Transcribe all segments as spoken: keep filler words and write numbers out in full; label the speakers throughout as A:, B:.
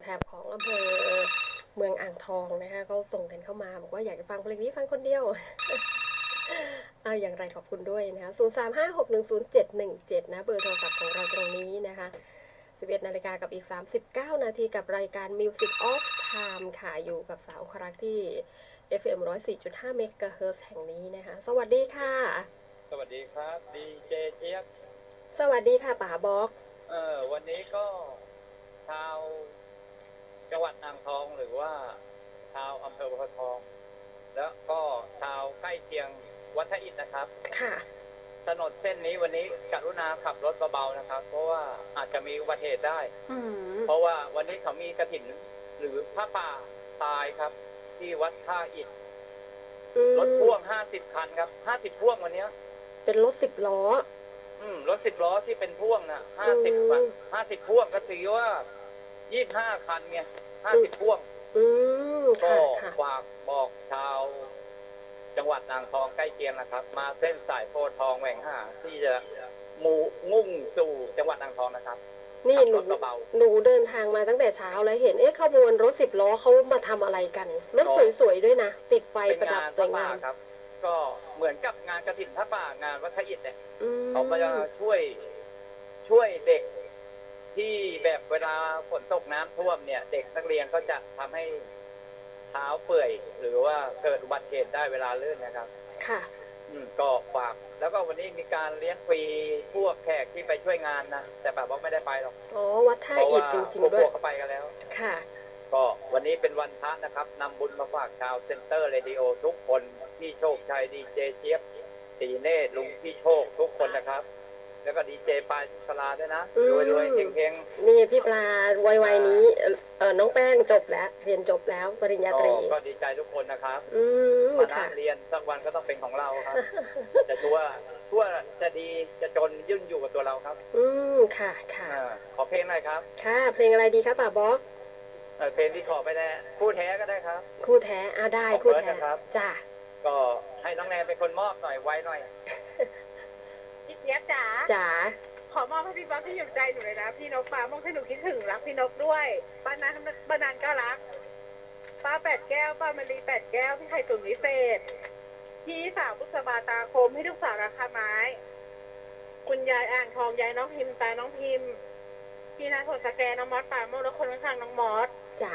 A: ถบของอำเภอเมืองอ่างทองนะคะก็ส่งกันเข้ามาบอกว่าอยากจะฟังเพลงนี้ฟังคนเดียวเอาอย่างไรขอบคุณด้วยนะคะศูนย์ สาม ห้า หก หนึ่ง ศูนย์ เจ็ด หนึ่ง เจ็ดนะเบอร์โทรศัพท์ของเราตรงนี้นะคะสิบเอ็ดนาฬิกากับอีกสามสิบเก้านาทีกับรายการ Music of Time ค่ะอยู่กับสาวครักที่ เอฟ เอ็ม หนึ่งร้อยสี่จุดห้า เมกะเฮิรตซ์แห่งนี้นะคะสวัสดีค่ะ
B: สวัสดีครับดีเจเจี๊ยบ
A: สวัสดีค่ะป๋าบ็อก
B: เออวันนี้ก็ชาวจังหวัดอ่างทองหรือว่าชาวอำเภอพะทองแล้วก็ชาวใกล้เคียงวัดท่าอิฐนะครับ
A: ค่ะ
B: ถนนเส้นนี้วันนี้กรุณาขับรถเบาๆนะครับเพราะว่าอาจจะมีอุบัติเหตุได้เพราะว่าวันนี้เขามีกฐินหรือผ้าป่าตายครับที่วัดท่าอิฐรถพ่วงห้าสิบคันครับห้าสิบพ่วงวันนี้
A: เป็นรถสิบล้อ
B: อืมรถสิบล้อที่เป็นพ่วงนะห้าสิบห้าสิบพ่วงก็ถือว่ายี่สิบห้าคันไงห้าสิบพ่วงก็ฝากบอกชาวจังหวัดอ่างทองใกล้เคียงนะครับมาเส้นสายโพธิ์ทองแหว่งห้าที่จะมูมุ่งสู่จังหวัดอ่างทองนะครับ
A: นี่หนูหนูเดินทางมาตั้งแต่เช้าแล้วเห็นเอ๊ะขบวนรถสิบล้อเขามาทำอะไรกันรถสวยๆด้วยนะติดไฟประดับสวยงาม
B: ครับก็เหมือนกับงานกฐินพระป่างานวัดท่าอิฐเนี่ยเขาก็จะช่วยช่วยเด็กที่แบบเวลาฝนตกน้ำท่วมเนี่ยเด็กนักเรียนก็จะทำให้เท้าเปื่อยหรือว่าเกิดอุบัติเหตุได้เวลาลื่นนะครับ
A: ค่ะ
B: อืมก็ฝากแล้วก็วันนี้มีการเลี้ยงฟรีพวกแขกที่ไปช่วยงานนะแต่แบบว่าไม่ได้ไปหรอก
A: อ๋อวัดท่าอิฐจริงๆด้วย
B: พวกเขาไปกันแล้ว
A: ค่ะ
B: ก็วันนี้เป็นวันพระนะครับนำบุญมาฝากชาวเซ็นเตอร์เรดิโอทุกคนพี่โชคชัยดีเจเจี๊ยบตีเนตรลุงพี่โชคทุกคนนะครับแล้วก็ดีเจปลายสลาด้วยนะรวยรวยเฮง
A: ๆนี่พี่ปลาวัยๆนี้เออน้องแป้งจบแล้วเรียนจบแล้วปริญญาตรี
B: ก็ดีใจทุกคนนะครับ
A: มา
B: นั่งเรียนสักวันก็ต้องเป็นของเราครับจะชั่วชั่วจะดีจะจนยื่นอยู่กับตัวเราครับ
A: อืมค่ะค่ะ
B: ขอเพลงหน่อยครับ
A: ค่ะเพลงอะไรดีครับป่าบ๊อก
B: เพลงที่ขอไปแล้วคู่แท้ก็ได้ครับ
A: คู่แท้อ่ะได้คู่แท้จ้า
B: ก็ให้น้องแนนเป็นคนมอบหน่อยไว้หน่อย
C: พี่เจี๊ยบจ๋า
A: จ๋า
C: ขอมอบให้พี่บ๊อบที่อยู่ใจหนูเลยนะพี่นกฟ้ามองให้หนูคิดถึงรักพี่นกด้วยป้านันป้านันก็รักป้าแปดแก้วป้ามะลีแปดแก้วพี่ไข่ตุ๋นวิเศษพี่สาวบุษบาตาคมให้ลูกสาวราคาไม้คุณยายอ่างทองยายน้องพิมตาน้องพิมพี่นาโถสแกน้องมอสป่าโมแล้วคนข้างน้องมอส
A: จ้า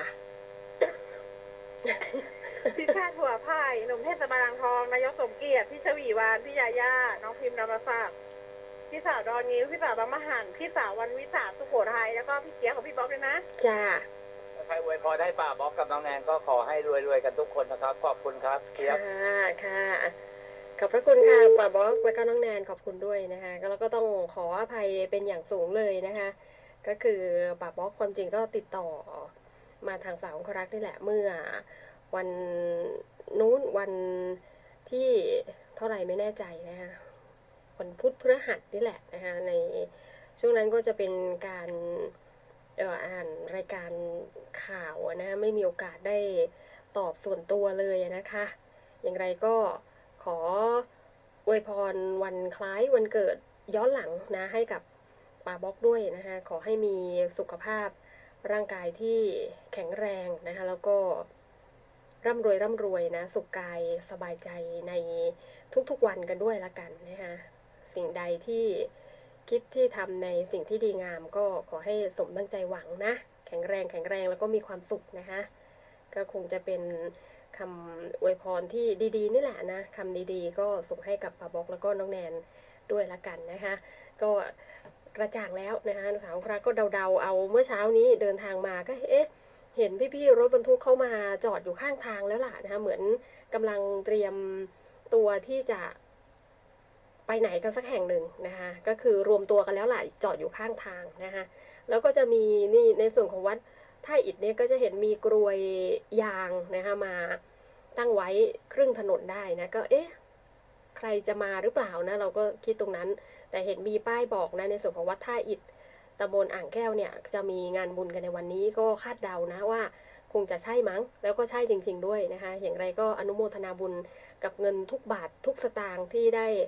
C: พี่ชาติหัวไผ่หนุ่มเทศบาลอ่างทองนายกสมเกียรติพี่ชวีวานพี่ยาย่าน้องพิมพ์นรศักดิ์พี่สาวดอนงิ้วพี่สาวบางมะหันพี่สาววันวิสาสุโขทัยแล้วก็พี่เกียร์ของพี่บ๊อบด้วยนะ
A: จ้า
B: ใครอวยพรให้ป้าบ๊อบกับน้องแนนก็ขอให้รวยๆกันทุกคนนะครับขอบคุณครับเกียร์
A: ค่ะค่ะขอบพระคุณค่ะป้าบ๊อบและก็น้องแนนขอบคุณด้วยนะคะแล้วก็ต้องขออภัยเป็นอย่างสูงเลยนะคะก็คือป้าบ๊อบความจริงก็ติดต่อมาทางสาวครักนี่แหละเมื่อวันนู้นวันที่เท่าไหร่ไม่แน่ใจนะคะวันพุธพฤหัสนี่แหละนะคะในช่วงนั้นก็จะเป็นการเอ่ออ่านรายการข่าวนะไม่มีโอกาสได้ตอบส่วนตัวเลยนะคะอย่างไรก็ขออวยพรวันคล้ายวันเกิดย้อนหลังนะให้กับป้าบ๊อกด้วยนะคะขอให้มีสุขภาพร่างกายที่แข็งแรงนะคะแล้วก็ร่ำรวยร่ำรวยนะสุขกายสบายใจในทุกๆวันกันด้วยละกันนะคะสิ่งใดที่คิดที่ทำในสิ่งที่ดีงามก็ขอให้สมตั้งใจหวังนะแข็งแรงแข็งแรงแล้วก็มีความสุขนะคะก็คงจะเป็นคำอวยพรที่ดีๆนี่แหละนะคำดีๆก็ส่งให้กับป้าบ๊อกแล้วก็น้องแนนด้วยละกันนะคะก็กระจ่างแล้วนะคะสาวคราก็เดาๆเอาเมื่อเช้านี้เดินทางมาก็เอ๊ะเห็นพี่ๆรถบรรทุกเข้ามาจอดอยู่ข้างทางแล้วล่ะนะคะเหมือนกำลังเตรียมตัวที่จะไปไหนกันสักแห่งหนึ่งนะคะก็คือรวมตัวกันแล้วล่ะจอดอยู่ข้างทางนะคะแล้วก็จะมีนี่ในส่วนของวัดท่าอิฐเนี่ยก็จะเห็นมีกรวยยางนะคะมาตั้งไว้ครึ่งถนนได้นะก็เอ๊ะใครจะมาหรือเปล่านะเราก็คิดตรงนั้นแต่เห็นมีป้ายบอกนะในส่วนของวัดท่าอิฐตำบลอ่างแก้วเนี่ยจะมีงานบุญกันในวันนี้ก็คาดเดานะว่าคงจะใช่มั้งแล้วก็ใช่จริงๆด้วยนะคะอย่างไรก็อนุโมทนาบุญกับเงินทุกบาททุกสตางค์ที่ได้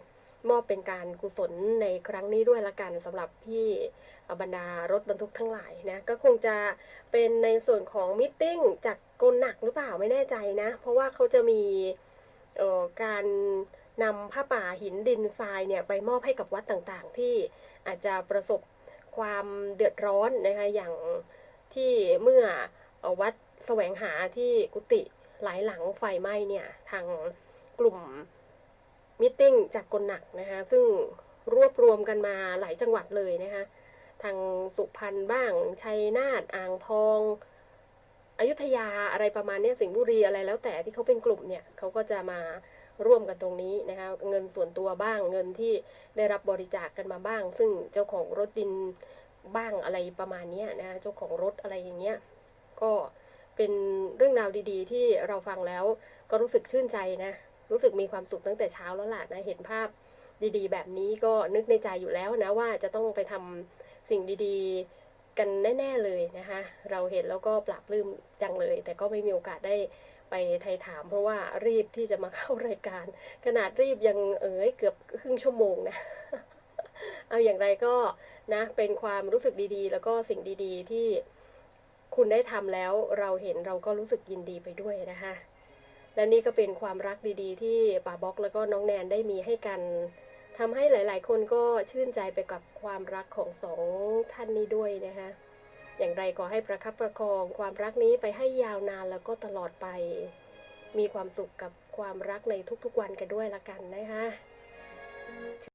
A: มอบเป็นการกุศลในครั้งนี้ด้วยละกันสำหรับพี่บรรดารถบรรทุกทั้งหลายนะก็คงจะเป็นในส่วนของมิทติ้งจากกลหนักหรือเปล่าไม่แน่ใจนะเพราะว่าเขาจะมีการนำผ้าป่าหินดินทรายเนี่ยไปมอบให้กับวัดต่างๆที่อาจจะประสบความเดือดร้อนนะคะอย่างที่เมื่อวัดแสวงหาที่กุฏิหลายหลังไฟไหม้เนี่ยทางกลุ่มมิทติ้งจากกลหนักนะคะซึ่งรวบรวมกันมาหลายจังหวัดเลยนะคะทางสุพรรณบ้างชัยนาทอ่างทองอยุธยาอะไรประมาณนี้สิงห์บุรีอะไรแล้วแต่ที่เขาเป็นกลุ่มเนี่ยเขาก็จะมาร่วมกันตรงนี้นะคะเงินส่วนตัวบ้างเงินที่ได้รับบริจาคกันมาบ้างซึ่งเจ้าของรถดินบ้างอะไรประมาณนี้นะเจ้าของรถอะไรอย่างเงี้ยก็เป็นเรื่องราวดีๆที่เราฟังแล้วก็รู้สึกชื่นใจนะรู้สึกมีความสุขตั้งแต่เช้าแล้วล่ะนะเห็นภาพดีๆแบบนี้ก็นึกในใจอยู่แล้วนะว่าจะต้องไปทำสิ่งดีๆกันแน่ๆเลยนะคะเราเห็นแล้วก็ปลาบปลื้มจังเลยแต่ก็ไม่มีโอกาสได้ไปไทยถามเพราะว่ารีบที่จะมาเข้ารายการขนาดรีบยังเอ๋ยเกือบครึ่งชั่วโมงนะเอาอย่างไรก็นะเป็นความรู้สึกดีๆแล้วก็สิ่งดีๆที่คุณได้ทำแล้วเราเห็นเราก็รู้สึกยินดีไปด้วยนะคะและนี่ก็เป็นความรักดีๆที่ป๋าบ๊อกแล้วก็น้องแนนได้มีให้กันทำให้หลายๆคนก็ชื่นใจไปกับความรักของสองท่านนี้ด้วยนะคะอย่างไรก็ให้ประคับประคองความรักนี้ไปให้ยาวนานแล้วก็ตลอดไปมีความสุขกับความรักในทุกๆวันกันด้วยละกันนะคะ